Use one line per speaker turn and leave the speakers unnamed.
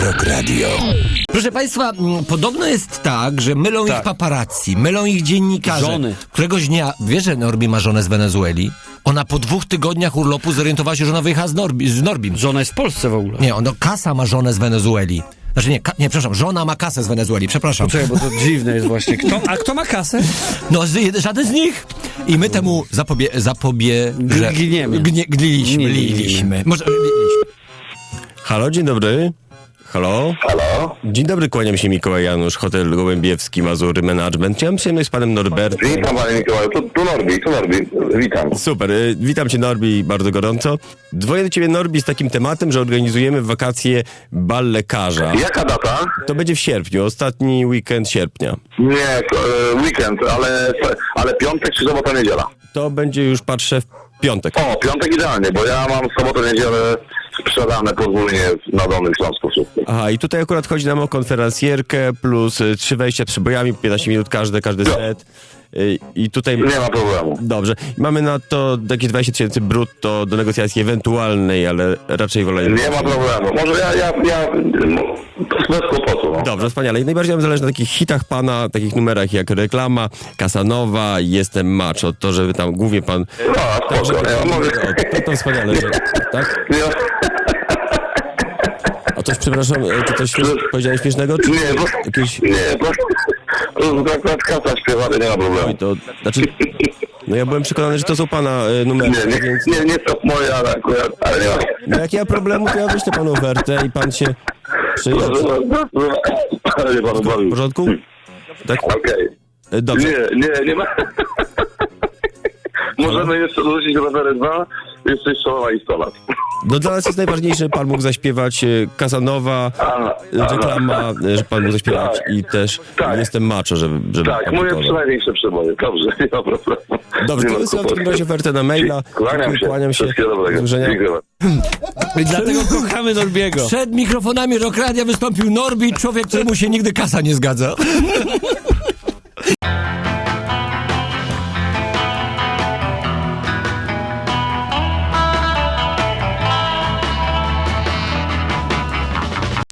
Rock Radio.
Proszę Państwa, podobno jest tak, że mylą ich paparazzi, mylą ich dziennikarze.
Żony.
Któregoś dnia, wiesz, że Norbi ma żonę z Wenezueli? Ona po 2 tygodniach urlopu zorientowała się, że ona wyjechała z Norbim.
Żona jest w Polsce w ogóle.
Nie, Kasa ma żonę z Wenezueli. Znaczy nie, przepraszam, żona ma kasę z Wenezueli, przepraszam.
Poczekaj, bo to dziwne jest właśnie. Kto ma kasę?
No, żaden z nich. I my temu gliliśmy. Może gliliśmy.
Halo, dzień dobry. Halo?
Halo?
Dzień dobry, kłaniam się Mikołaj Janusz, Hotel Gołębiewski, Mazury Management. Chciałem przyjemność z panem Norbertem.
Witam panie Mikołaju, tu Norbi, witam.
Super, witam cię Norbi bardzo gorąco. Dzwonię do ciebie Norbi z takim tematem, że organizujemy w wakacje bal lekarza.
Jaka data?
To będzie w sierpniu, ostatni weekend sierpnia.
Nie, weekend, ale piątek czy sobota, niedziela?
To będzie już, patrzę, w piątek.
O, piątek idealnie, bo ja mam sobotę, niedzielę sprzedane podwójnie na Dolnym Śląsku wszystko.
Aha, i tutaj akurat chodzi nam o konferencjerkę plus 3 wejścia przybojami, 15 minut każdy set. I tutaj...
Nie ma problemu.
Dobrze. Mamy na to jakieś 20 000 brutto do negocjacji ewentualnej, ale raczej wolę...
Nie ma problemu. Może ja bez kłopotu. No.
Dobrze, wspaniale. I najbardziej nam zależy na takich hitach pana, takich numerach jak Reklama, Casanova, Jestem Macho. To, żeby tam głównie pan...
No, spoko.
To wspaniale, że, tak?
Nie.
A coś, przepraszam, czy coś powiedziałeś śmiesznego? Czy
Nie, bo...
jakieś...
Nie, to akurat kasa śpiewana, nie ma problemu.
Oj, to znaczy... No ja byłem przekonany, że to są pana numery, więc...
Nie to moje, ale akurat, ale nie ma...
No jak ja mam problemu, to ja wyślę panu ofertę i pan się przyjdzie.
Ale nie panu
W
bawił.
porządku? Tak?
Okej.
Dobrze.
Nie ma... Możemy jeszcze dorzucić rowery 2, jeszcze strzała i 100 lat.
No dla nas jest najważniejsze, że pan mógł zaśpiewać Casanova, Reklama, że pan mógł zaśpiewać i też Jestem Macho, żeby
Tak, moje największe przeboje. Dobrze, nie ma problemu.
Dobrze, to wysyłam w takim razie ofertę na maila.
Kłaniam się. Wszystkiego dobrego. Dziękuję.
I dlatego kochamy Norbiego.
Przed mikrofonami Rock Radia wystąpił Norbi, człowiek, któremu się nigdy kasa nie zgadza.